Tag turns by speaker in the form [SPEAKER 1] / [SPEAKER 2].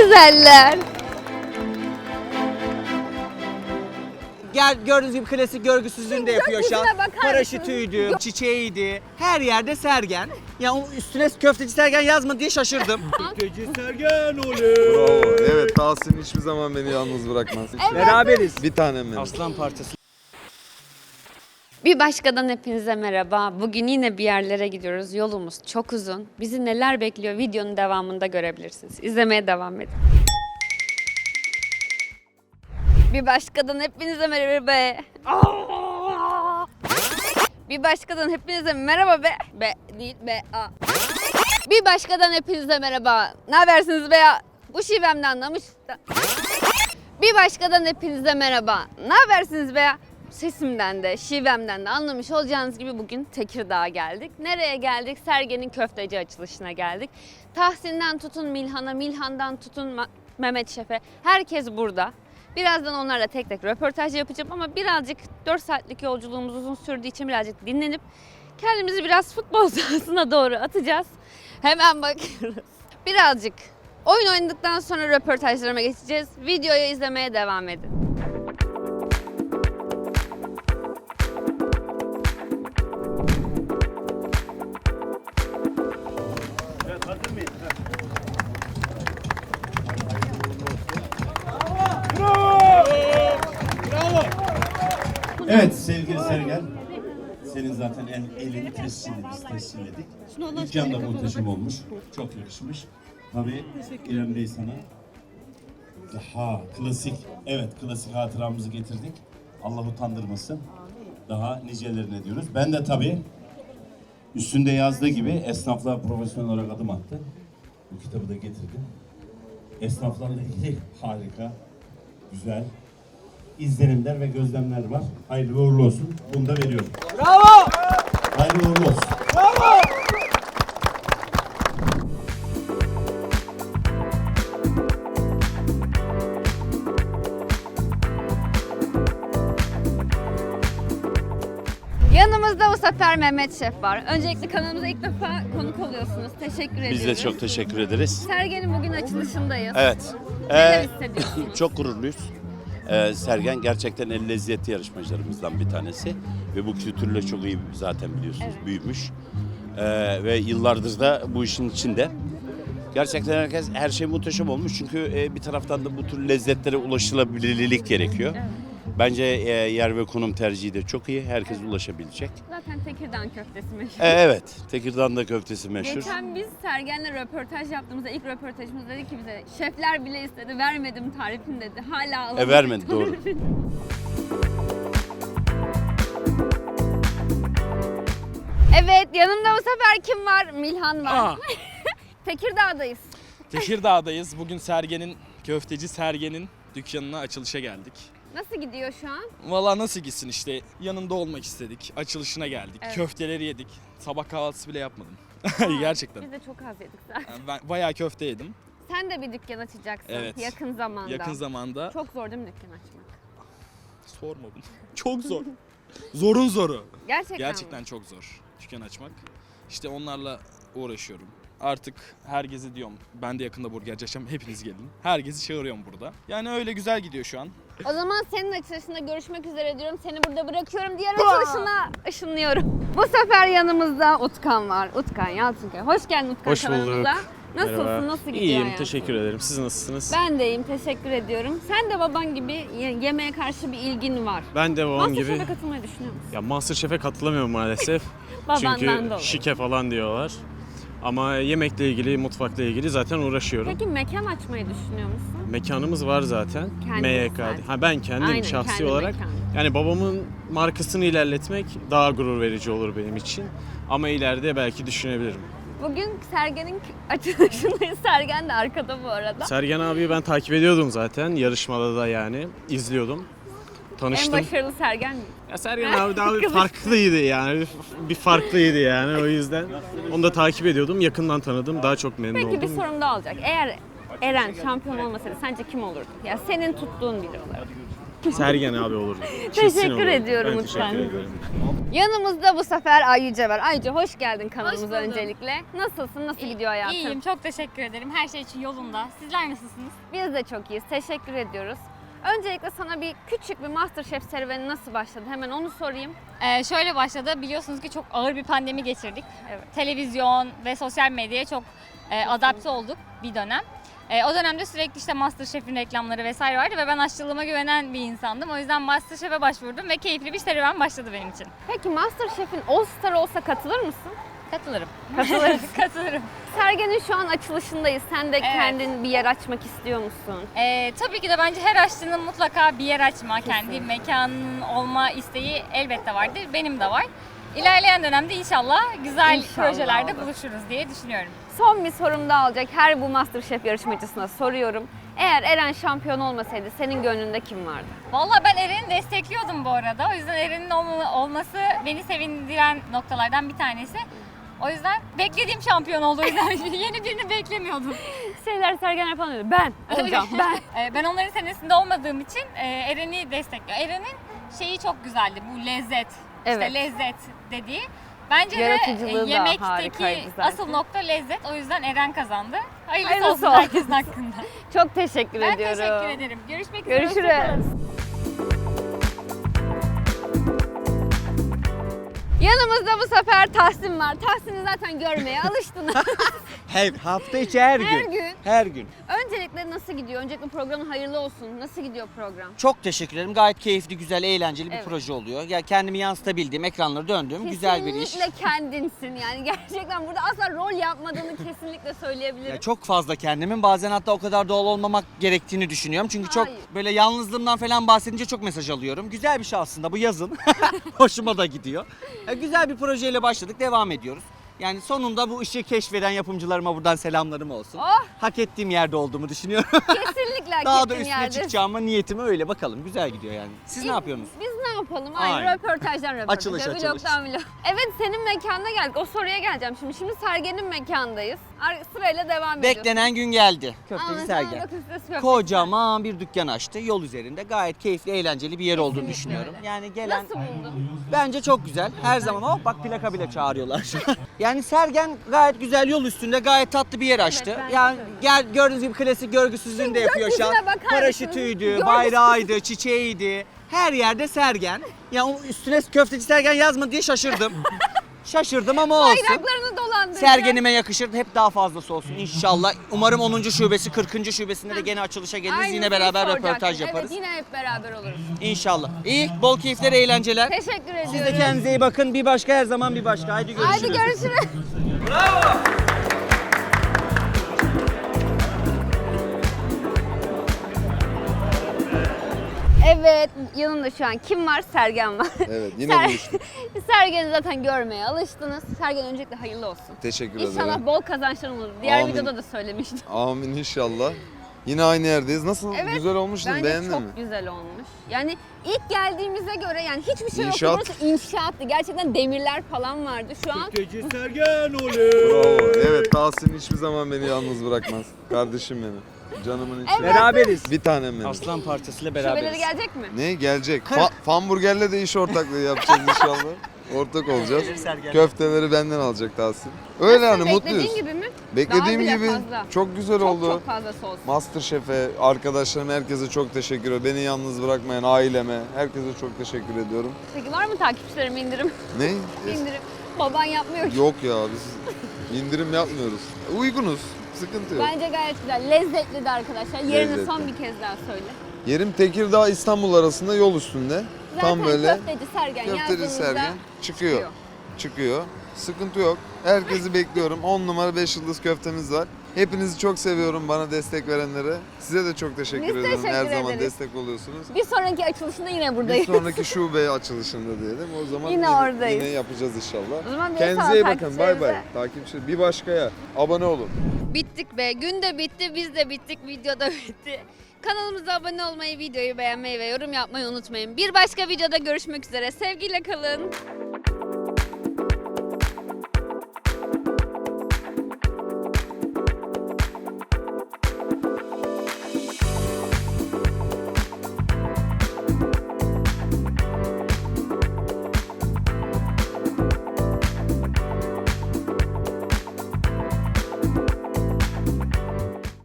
[SPEAKER 1] güzeller.
[SPEAKER 2] Gördüğünüz gibi klasik görgüsüzlüğünü de yapıyor şu an.
[SPEAKER 1] Gökyüzüne bakar
[SPEAKER 2] Paraşütüydü, çiçeğiydi. Her yerde Sergen. Ya o üstüne köfteci Sergen yazma diye şaşırdım. Köfteci Sergen oley.
[SPEAKER 3] Bravo. Evet, Tahsin hiçbir zaman beni yalnız bırakmaz.
[SPEAKER 2] Beraberiz.
[SPEAKER 3] Bir tanem benim.
[SPEAKER 2] Aslan parçası.
[SPEAKER 1] Bir başkadan hepinize merhaba. Bugün yine bir yerlere gidiyoruz. Yolumuz çok uzun. Bizi neler bekliyor videonun devamında görebilirsiniz. İzlemeye devam edin. Bir başkadan hepinize merhaba. Bir başkadan hepinize merhaba be. Be değil be. Bir başkadan hepinize merhaba. Ne habersiniz be ya? Bu şivemden anlamış. Bir başkadan hepinize merhaba. Ne habersiniz be ya? Sesimden de, şivemden de anlamış olacağınız gibi bugün Tekirdağ'a geldik. Nereye geldik? Sergen'in köfteci açılışına geldik. Tahsin'den tutun Milhan'a, Milhan'dan tutun Mehmet Şef'e. Herkes burada. Birazdan onlarla tek tek röportaj yapacağım ama birazcık 4 saatlik yolculuğumuz uzun sürdüğü için birazcık dinlenip kendimizi biraz futbol sahasına doğru atacağız. Hemen bakıyoruz. Birazcık oyun oynadıktan sonra röportajlarıma geçeceğiz. Videoyu izlemeye devam edin.
[SPEAKER 4] Evet sevgili Sergen, senin zaten elini biz tescilledik. Dükkan da muhteşem olmuş, çok yakışmış. Tabii İrem Bey sana daha klasik, evet klasik hatıramızı getirdik. Allah utandırmasın. Daha nicelerine diyoruz. Ben de tabii üstünde yazdığı gibi esnaflığa profesyonel olarak adım attı. Bu kitabı da getirdim. Esnaflarla ilgili harika, güzel izlenimler ve gözlemler var. Hayırlı uğurlu olsun. Bunu da veriyorum.
[SPEAKER 2] Bravo!
[SPEAKER 4] Hayırlı uğurlu olsun.
[SPEAKER 2] Bravo!
[SPEAKER 1] Yanımızda bu sefer Mehmet Şef var. Öncelikle kanalımıza ilk defa konuk oluyorsunuz. Teşekkür ederiz.
[SPEAKER 5] Biz de çok teşekkür ederiz.
[SPEAKER 1] Sergen'in bugün açılışındayız.
[SPEAKER 5] Evet.
[SPEAKER 1] Neler hissediyorsunuz?
[SPEAKER 5] Çok gururluyuz. Sergen gerçekten el lezzeti yarışmacılarımızdan bir tanesi. Ve bu kültürle çok iyi zaten biliyorsunuz büyümüş. Ve yıllardır da bu işin içinde. Gerçekten her şey muhteşem olmuş. Çünkü bir taraftan da bu tür lezzetlere ulaşılabilirlik gerekiyor.
[SPEAKER 1] Evet.
[SPEAKER 5] Bence yer ve konum tercihi de çok iyi. Herkes ulaşabilecek.
[SPEAKER 1] Zaten Tekirdağ köftesi meşhur.
[SPEAKER 5] Evet. Tekirdağ'da köftesi meşhur.
[SPEAKER 1] Geçen biz Sergen'le röportaj yaptığımızda ilk röportajımız dedi ki bize şefler bile istedi vermedim tarifini dedi. Hala alamadım.
[SPEAKER 5] Vermedi doğru.
[SPEAKER 1] Evet yanımda bu sefer kim var? Milhan var. Tekirdağ'dayız.
[SPEAKER 6] Tekirdağ'dayız. Bugün köfteci Sergen'in dükkanına açılışa geldik.
[SPEAKER 1] Nasıl gidiyor şu an?
[SPEAKER 6] Valla nasıl gitsin işte, yanında olmak istedik. Açılışına geldik.
[SPEAKER 1] Evet.
[SPEAKER 6] Köfteleri yedik. Sabah kahvaltısı bile yapmadım. Gerçekten.
[SPEAKER 1] Biz de çok az yedik zaten.
[SPEAKER 6] Yani ben bayağı köfte yedim.
[SPEAKER 1] Sen de bir dükkan açacaksın
[SPEAKER 6] Evet.
[SPEAKER 1] yakın zamanda.
[SPEAKER 6] Yakın zamanda.
[SPEAKER 1] Çok zor değil mi dükkan açmak?
[SPEAKER 6] Sorma bunu. Çok zor. Zorun zoru.
[SPEAKER 1] Gerçekten mi?
[SPEAKER 6] Çok zor dükkan açmak. İşte onlarla uğraşıyorum. Artık herkese diyorum, ben de yakında burgerci açacağım, hepiniz gelin. Herkesi çağırıyorum burada. Yani öyle güzel gidiyor şu an.
[SPEAKER 1] O zaman senin açılışında görüşmek üzere diyorum. Seni burada bırakıyorum. Diğer açılışına ışınlıyorum. Bu sefer yanımızda Utkan var. Utkan Yalçınkaya. Hoş geldin Utkan
[SPEAKER 7] Hoş bulduk.
[SPEAKER 1] kanalımıza. Nasılsın?
[SPEAKER 7] Merhaba.
[SPEAKER 1] Nasıl gidiyor
[SPEAKER 7] İyiyim,
[SPEAKER 1] hayatın?
[SPEAKER 7] teşekkür ederim. Siz nasılsınız?
[SPEAKER 1] Ben de iyiyim, teşekkür ediyorum. Sen de baban gibi yemeğe karşı bir ilgin var.
[SPEAKER 7] Ben de babam gibi.
[SPEAKER 1] Masterchef'e katılmayı düşünüyor musun?
[SPEAKER 7] Ya Masterchef'e katılamıyorum maalesef.
[SPEAKER 1] Babandan
[SPEAKER 7] Çünkü
[SPEAKER 1] dolayı.
[SPEAKER 7] şike falan diyorlar. Ama yemekle ilgili, mutfakla ilgili zaten uğraşıyorum.
[SPEAKER 1] Peki mekan açmayı düşünüyor musun?
[SPEAKER 7] Mekanımız var zaten.
[SPEAKER 1] Kendiniz
[SPEAKER 7] MYK'de.
[SPEAKER 1] zaten.
[SPEAKER 7] Ha ben kendim
[SPEAKER 1] Aynen,
[SPEAKER 7] şahsi
[SPEAKER 1] kendi
[SPEAKER 7] olarak.
[SPEAKER 1] mekanı.
[SPEAKER 7] Yani babamın markasını ilerletmek daha gurur verici olur benim için. Ama ileride belki düşünebilirim.
[SPEAKER 1] Bugün Sergen'in açılışındayız. Sergen de arkada bu arada.
[SPEAKER 7] Sergen abiyi ben takip ediyordum zaten. Yarışmada da yani izliyordum. Tanıştım.
[SPEAKER 1] En başarılı Sergen mi?
[SPEAKER 7] Ya Sergen abi daha bir farklıydı yani. Bir farklıydı yani o yüzden. Onu da takip ediyordum. Yakından tanıdım. Daha çok memnun
[SPEAKER 1] Peki bir
[SPEAKER 7] oldum.
[SPEAKER 1] sorum daha olacak. Eğer Eren şampiyon olmasaydı sence kim olurdu? Ya senin tuttuğun biri olarak.
[SPEAKER 7] Sergen abi olurdu.
[SPEAKER 1] Teşekkür ediyorum
[SPEAKER 7] Ben
[SPEAKER 1] lütfen.
[SPEAKER 7] teşekkür ederim.
[SPEAKER 1] Yanımızda bu sefer Ayyüce var. Ayyüce hoş geldin kanalımıza
[SPEAKER 8] Hoş buldum.
[SPEAKER 1] öncelikle. Nasılsın? Nasıl gidiyor hayatın?
[SPEAKER 8] İyiyim, çok teşekkür ederim. Her şey için yolunda. Sizler nasılsınız?
[SPEAKER 1] Biz de çok iyiyiz. Teşekkür ediyoruz. Öncelikle sana bir küçük bir MasterChef serüveni nasıl başladı? Hemen onu sorayım.
[SPEAKER 8] Şöyle başladı, biliyorsunuz ki çok ağır bir pandemi geçirdik.
[SPEAKER 1] Evet.
[SPEAKER 8] Televizyon ve sosyal medyaya çok adapte olduk bir dönem. O dönemde sürekli işte MasterChef'in reklamları vesaire vardı ve ben aşçılığıma güvenen bir insandım. O yüzden MasterChef'e başvurdum ve keyifli bir serüven başladı benim için.
[SPEAKER 1] Peki MasterChef'in All Star olsa katılır mısın?
[SPEAKER 8] Katılırım.
[SPEAKER 1] Katılırız.
[SPEAKER 8] Katılırım.
[SPEAKER 1] Sergen'in şu an açılışındayız. Sen de
[SPEAKER 8] Evet.
[SPEAKER 1] kendin bir yer açmak istiyor musun?
[SPEAKER 8] Tabii ki de bence her aşçının mutlaka bir yer açma, kendi mekanının olma isteği elbette vardır. Benim de var. İlerleyen dönemde inşallah güzel
[SPEAKER 1] İnşallah
[SPEAKER 8] projelerde
[SPEAKER 1] olur.
[SPEAKER 8] buluşuruz diye düşünüyorum.
[SPEAKER 1] Son bir sorum daha olacak. Her bu MasterChef yarışmacısına soruyorum. Eğer Eren şampiyon olmasaydı senin gönlünde kim vardı?
[SPEAKER 8] Vallahi ben Eren'i destekliyordum bu arada. O yüzden Eren'in olması beni sevindiren noktalardan bir tanesi. O yüzden beklediğim şampiyon oldu. O yüzden yeni birini beklemiyordum.
[SPEAKER 1] Şeyler Sergen yapan öyle. Ben olacağım. Ben.
[SPEAKER 8] Ben onların senesinde olmadığım için Eren'i destekliyorum. Eren'in şeyi çok güzeldi. Bu lezzet.
[SPEAKER 1] Evet.
[SPEAKER 8] İşte lezzet dediği. Bence de
[SPEAKER 1] Yaratıcılığı da
[SPEAKER 8] yemekteki
[SPEAKER 1] harikaydı zaten.
[SPEAKER 8] asıl nokta lezzet. O yüzden Eren kazandı. Hayırlısı
[SPEAKER 1] Hayırlısı
[SPEAKER 8] olsun
[SPEAKER 1] olsun.
[SPEAKER 8] herkesin hakkında.
[SPEAKER 1] Çok teşekkür
[SPEAKER 8] Ben
[SPEAKER 1] ediyorum.
[SPEAKER 8] teşekkür ederim. Görüşmek üzere.
[SPEAKER 1] Görüşürüz.
[SPEAKER 8] Hoşçakalın.
[SPEAKER 1] Yanımızda bu sefer Tahsin var. Tahsin'i zaten görmeye alıştınız.
[SPEAKER 2] Her hafta içi her gün.
[SPEAKER 1] Her gün.
[SPEAKER 2] Her gün.
[SPEAKER 1] Öncelikle nasıl gidiyor? Öncelikle programın hayırlı olsun. Nasıl gidiyor program?
[SPEAKER 2] Çok teşekkür ederim. Gayet keyifli, güzel, eğlenceli bir
[SPEAKER 1] Evet.
[SPEAKER 2] proje oluyor. Ya kendimi yansıtabildiğim, ekranları döndüğüm güzel bir iş.
[SPEAKER 1] Kesinlikle kendinsin yani. Gerçekten burada asla rol yapmadığını kesinlikle söyleyebilirim.
[SPEAKER 2] Ya çok fazla kendimin, bazen hatta o kadar doğal olmamak gerektiğini düşünüyorum. Çünkü çok
[SPEAKER 1] Hayır.
[SPEAKER 2] böyle yalnızlığımdan falan bahsedince çok mesaj alıyorum. Güzel bir şey aslında bu, yazın. Hoşuma da gidiyor. Güzel bir projeyle başladık, devam ediyoruz. Yani sonunda bu işi keşfeden yapımcılarıma buradan selamlarım olsun.
[SPEAKER 1] Oh!
[SPEAKER 2] Hak ettiğim yerde olduğumu düşünüyorum.
[SPEAKER 1] Kesinlikle hak
[SPEAKER 2] Daha da
[SPEAKER 1] ettiğin
[SPEAKER 2] üstüne
[SPEAKER 1] yerdesin.
[SPEAKER 2] çıkacağıma niyetim öyle, bakalım. Güzel gidiyor yani. Siz ne yapıyorsunuz?
[SPEAKER 1] Biz ne yapalım? Aynı
[SPEAKER 2] Aynen.
[SPEAKER 1] röportajdan röportaja,
[SPEAKER 2] Açılış.
[SPEAKER 1] vlogdan vlog. Evet, senin mekanına geldik. O soruya geleceğim şimdi. Şimdi Sergen'in mekandayız. Sırayla devam ediyoruz.
[SPEAKER 2] Beklenen gün geldi. Köfteci
[SPEAKER 1] Anlatılan
[SPEAKER 2] Sergen.
[SPEAKER 1] bakın size köfteci
[SPEAKER 2] Kocaman bir dükkan açtı yol üzerinde. Gayet keyifli, eğlenceli bir yer olduğunu
[SPEAKER 1] Kesinlikle
[SPEAKER 2] düşünüyorum.
[SPEAKER 1] öyle.
[SPEAKER 2] Yani gelen
[SPEAKER 1] Nasıl buldun?
[SPEAKER 2] bence çok güzel. Her zaman hop bak plaka bile çağırıyorlar şu an. Yani Sergen gayet güzel, yol üstünde gayet tatlı bir yer açtı.
[SPEAKER 1] bence
[SPEAKER 2] Yani
[SPEAKER 1] de öyle.
[SPEAKER 2] gel gördüğünüz gibi klasik görgüsüzlüğünü de yapıyor şu an.
[SPEAKER 1] gökyüzüne bakar
[SPEAKER 2] Paraşütüydü,
[SPEAKER 1] mısınız?
[SPEAKER 2] bayrağıydı, çiçeğiydi. Her yerde Sergen. Ya o üstüne köfteci Sergen yazmadı diye şaşırdım. Şaşırdım ama olsun.
[SPEAKER 1] Bayraklarını dolandıracak.
[SPEAKER 2] Sergenime yakışır. Hep daha fazlası olsun inşallah. Umarım 10. şubesi, 40. şubesinde de gene açılışa geliriz.
[SPEAKER 1] Aynı
[SPEAKER 2] Yine
[SPEAKER 1] şeyi
[SPEAKER 2] beraber
[SPEAKER 1] soracaktım.
[SPEAKER 2] röportaj yaparız.
[SPEAKER 1] Evet, yine hep beraber oluruz.
[SPEAKER 2] İnşallah. İyi, bol keyifler, eğlenceler.
[SPEAKER 1] Teşekkür ediyorum.
[SPEAKER 2] Siz de kendinize iyi bakın. Bir başka her zaman bir başka. Haydi görüşürüz.
[SPEAKER 1] Haydi görüşürüz. Evet, yanımda şu an kim var? Sergen var.
[SPEAKER 3] Evet yine buluştuk.
[SPEAKER 1] Sergen'i zaten görmeye alıştınız. Sergen öncelikle hayırlı olsun.
[SPEAKER 3] Teşekkür
[SPEAKER 1] İnşallah
[SPEAKER 3] ederim.
[SPEAKER 1] bol kazançlar olur. Diğer
[SPEAKER 3] Amin.
[SPEAKER 1] videoda da söylemiştim.
[SPEAKER 3] Amin inşallah. Yine aynı yerdeyiz. Nasıl?
[SPEAKER 1] Evet,
[SPEAKER 3] Güzel olmuş mu?
[SPEAKER 1] Bence
[SPEAKER 3] Beğendin
[SPEAKER 1] çok
[SPEAKER 3] mi?
[SPEAKER 1] güzel olmuş. Yani ilk geldiğimize göre yani hiçbir şey
[SPEAKER 3] İnşaat.
[SPEAKER 1] yoktu. Burası inşaattı. Gerçekten demirler falan vardı. Şu an
[SPEAKER 2] Köfteci Sergen oley.
[SPEAKER 3] Bravo. Evet, Tahsin hiçbir zaman beni yalnız bırakmaz. Kardeşim benim. Canımın içi.
[SPEAKER 1] Evet.
[SPEAKER 2] Beraberiz.
[SPEAKER 3] Bir tanem benim.
[SPEAKER 2] Aslan parçasıyla
[SPEAKER 1] şubeleri
[SPEAKER 2] beraberiz.
[SPEAKER 1] gelecek mi?
[SPEAKER 3] Ne gelecek? Famburger'le de iş ortaklığı yapacağız inşallah. Ortak olacağız.
[SPEAKER 2] Sergen.
[SPEAKER 3] Köfteleri benden alacak Tahsin. Öyle
[SPEAKER 1] Nasıl,
[SPEAKER 3] yani mutluyuz.
[SPEAKER 1] beklediğin gibi mi?
[SPEAKER 3] Beklediğim
[SPEAKER 1] Daha bile
[SPEAKER 3] gibi
[SPEAKER 1] fazla.
[SPEAKER 3] çok güzel
[SPEAKER 1] Çok
[SPEAKER 3] oldu.
[SPEAKER 1] çok fazlası olsun.
[SPEAKER 3] Masterchef'e, arkadaşlarıma, herkese çok teşekkür ederim. Beni yalnız bırakmayan aileme, herkese çok teşekkür ediyorum.
[SPEAKER 1] Peki var mı takipçilerime indirim?
[SPEAKER 3] Ne?
[SPEAKER 1] İndirim. Baban yapmıyor ki.
[SPEAKER 3] Yok ya, biz indirim yapmıyoruz. Uygunuz, sıkıntı yok.
[SPEAKER 1] Bence gayet güzel. Lezzetli de arkadaşlar. Yerini
[SPEAKER 3] Lezzetli.
[SPEAKER 1] son bir kez daha söyle.
[SPEAKER 3] Yerim Tekirdağ İstanbul arasında, yol üstünde.
[SPEAKER 1] Zaten
[SPEAKER 3] Tam böyle
[SPEAKER 1] köfteci Sergen
[SPEAKER 3] köfteci
[SPEAKER 1] yazdığınızda
[SPEAKER 3] Sergen çıkıyor. Çıkıyor. Sıkıntı yok. Herkesi bekliyorum. 10 numara 5 yıldız köftemiz var. Hepinizi çok seviyorum, bana destek verenlere. Size de çok teşekkür
[SPEAKER 1] Biz
[SPEAKER 3] ederim.
[SPEAKER 1] teşekkür
[SPEAKER 3] Her zaman
[SPEAKER 1] ederiz.
[SPEAKER 3] destek oluyorsunuz.
[SPEAKER 1] Bir sonraki açılışında yine
[SPEAKER 3] Bir
[SPEAKER 1] buradayız.
[SPEAKER 3] sonraki şube açılışında diyelim. O zaman
[SPEAKER 1] Yine oradayız.
[SPEAKER 3] yine yapacağız inşallah.
[SPEAKER 1] O zaman bir
[SPEAKER 3] Kendinize
[SPEAKER 1] sağ
[SPEAKER 3] iyi bakın. Bay bay.
[SPEAKER 1] takipçilerimize.
[SPEAKER 3] Takipçi. Bir başkaya abone olun.
[SPEAKER 1] Bittik be. Gün de bitti, biz de bittik, video da bitti. Kanalımıza abone olmayı, videoyu beğenmeyi ve yorum yapmayı unutmayın. Bir başka videoda görüşmek üzere. Sevgiyle kalın.